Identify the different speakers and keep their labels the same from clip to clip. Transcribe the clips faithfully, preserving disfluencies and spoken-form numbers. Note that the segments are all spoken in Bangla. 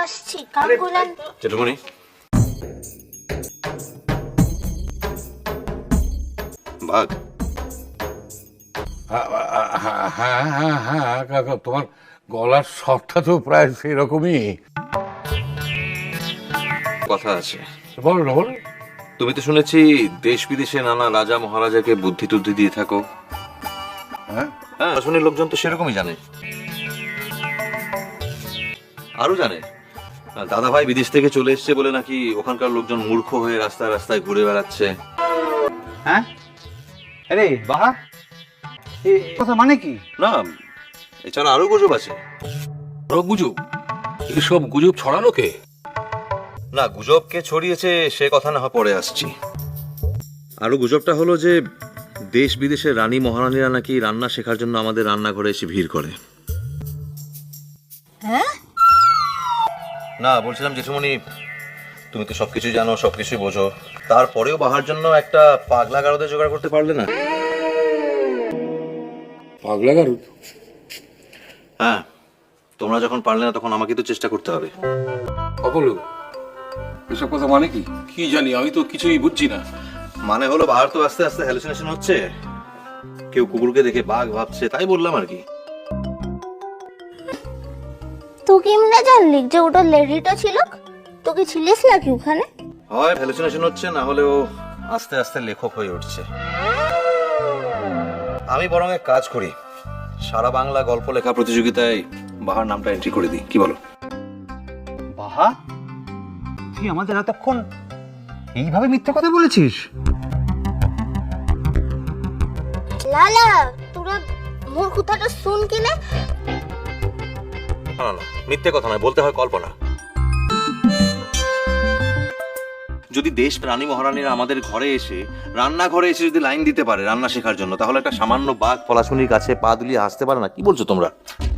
Speaker 1: আসছি কাকুলান
Speaker 2: জেঠুমনি বাঘ
Speaker 3: হ্যাঁ হ্যাঁ হ্যাঁ হ্যাঁ কাকা, তোমার গলার স্বরটা তো প্রায় সেরকমই।
Speaker 2: কথা আছে,
Speaker 3: বলো না বলো।
Speaker 2: তুমি তো শুনেছি দেশ বিদেশে নানা রাজা মহারাজাকে বুদ্ধি টুদ্ধি দিয়ে থাকো।
Speaker 3: হ্যাঁ
Speaker 2: হ্যাঁ, শুনি লোকজন তো সেরকমই জানে, আরো জানে দাদা ভাই বিদেশ থেকে চলে এসছে বলে নাকি ওখানকার লোকজন মূর্খ হয়ে রাস্তায় রাস্তায় ঘুরে বেড়াচ্ছে।
Speaker 4: হ্যাঁ আরে বাহা, এ কথা মানে কি?
Speaker 2: না, এছাড়া আরো গুজব আছে।
Speaker 5: আরো গুজব? এসব গুজব ছড়ানো কে?
Speaker 2: না, গুজব কে ছড়িয়েছে সে কথা না হয় পরে আসছি। আরো গুজবটা হলো যে দেশ বিদেশের রানী মহারানীরা নাকি রান্না শেখার জন্য আমাদের রান্নাঘরে এসে ভিড় করে।
Speaker 1: হ্যাঁ
Speaker 2: না, বলছিলাম জেঠুমনি তুমি তো সবকিছু জানো, সবকিছুই বোঝো, তারপরেও বাহার জন্য একটা পাগলা গারদে জোগাড় করতে পারলে না?
Speaker 3: পাগলা গারুদ?
Speaker 2: হ্যাঁ, তোমরা যখন পারলে না তখন আমাকে তো চেষ্টা করতে হবে।
Speaker 5: অপলু, এসব কথা মানে কি? কি জানি, আমি তো কিছুই বুঝছি না।
Speaker 2: মানে হলো বাহার তো আস্তে আস্তে হ্যালুসিনেশন হচ্ছে, কেউ কুকুরকে দেখে বাঘ ভাবছে, তাই বললাম আর কি।
Speaker 1: তুই কেমনে জানলি যে ওটা লেডিটা ছিল? তুই কি ছিলিস নাকি ওখানে?
Speaker 2: হয় হ্যালুসিনেশন হচ্ছে, না হলে ও আস্তে আস্তে লেখক হয়ে উঠছে। আমি বরং এক কাজ করি, সারা বাংলা গল্প লেখা প্রতিযোগিতায় বাহার নামটা এন্ট্রি করে দিই, কি বলো?
Speaker 4: বাহা, তুই আমাদের এতক্ষণ এইভাবে মিথ্যে কথা বলেছিস?
Speaker 1: লালা তোরা মোর কথাটা শুন কিনে।
Speaker 2: না না, মিথ্যে কথা নয়, বলতে হয় কল্পনা। যদি দেশ রানী মহারানীরা আমাদের ঘরে এসে রান্নাঘরে এসে যদি লাইন দিতে পারে রান্না শেখার জন্য, তাহলে একটা সামান্য বাঘ পলাশুনির কাছে পা দুলিয়ে হাসতে পারে না? কি বলছো তোমরা?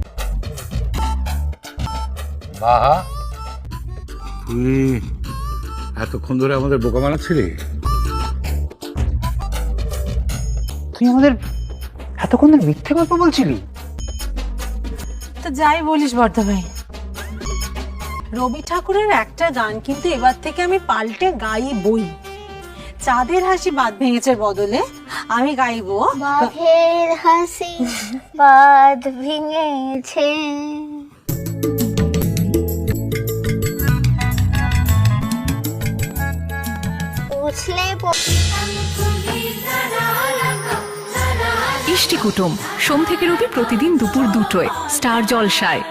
Speaker 3: বাহা, তুই এতক্ষণ ধরে আমাদের বোকা বানাচ্ছিলি?
Speaker 4: তুই আমাদের এতক্ষণ ধরে মিথ্যে গল্প বলছিলি?
Speaker 6: তো যাই বলিস বর্ধা ভাই, রবি ঠাকুরের একটা গান কিন্তু এবার থেকে আমি পাল্টে গাইবই। চাঁদের হাসি বাঁধ ভেঙেছে বদলে আমি গাইবো
Speaker 1: বাঘের হাসি বাঁধ ভেঙেছে। বুঝলে
Speaker 7: ইষ্টি কুটুম সোম থেকে রবি প্রতিদিন দুপুর দুটোয় স্টার জলসায়।